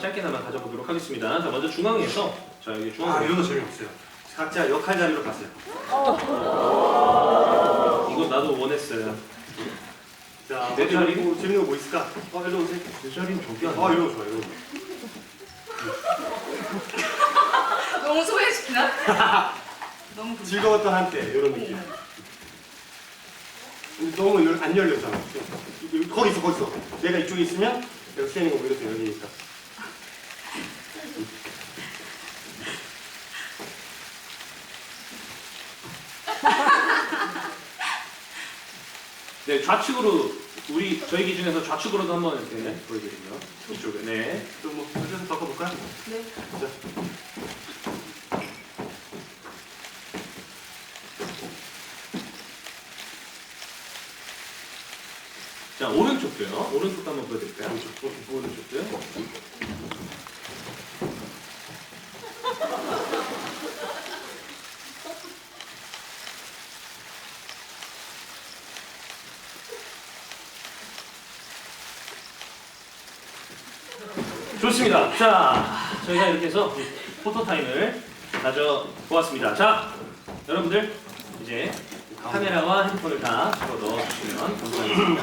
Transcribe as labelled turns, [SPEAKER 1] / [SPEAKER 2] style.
[SPEAKER 1] 짧게나마 가져보도록 하겠습니다. 자, 먼저 중앙에서 자 여기
[SPEAKER 2] 아,
[SPEAKER 1] 중앙에
[SPEAKER 2] 이런 거 재미없어요. 각자 역할 자리로 가세요.
[SPEAKER 1] 이거 나도 원했어요.
[SPEAKER 2] 자,
[SPEAKER 1] 내 자리?
[SPEAKER 2] 재밌는 거 뭐 있을까? 일로 오세요.
[SPEAKER 1] 내 자리는 저기 아니야?
[SPEAKER 2] 이런 거 좋아, 이런 거.
[SPEAKER 3] 너무 소외시키나? 너무
[SPEAKER 2] 즐거웠던 한때 이런 느낌. 근데 너무 안 열렸잖아. 거기 있어, 거기 있어. 내가 이쪽에 있으면 내가 수현이가 오히려 더 열리니까.
[SPEAKER 1] 네, 좌측으로 저희 기준에서 좌측으로도 한번 이렇게 보여드리고요. 이쪽에 네.
[SPEAKER 2] 좀뭐 앉아서 바꿔볼까요?
[SPEAKER 3] 네.
[SPEAKER 2] 자.
[SPEAKER 1] 자 오른쪽도요. 오른쪽도 한번 보여드릴까요? 오른쪽도요. 좋습니다. 자, 저희가 이렇게 해서 포토타임을 가져보았습니다. 자, 여러분들 이제 카메라와 핸드폰을 다 집어 넣어주시면 감사하겠습니다.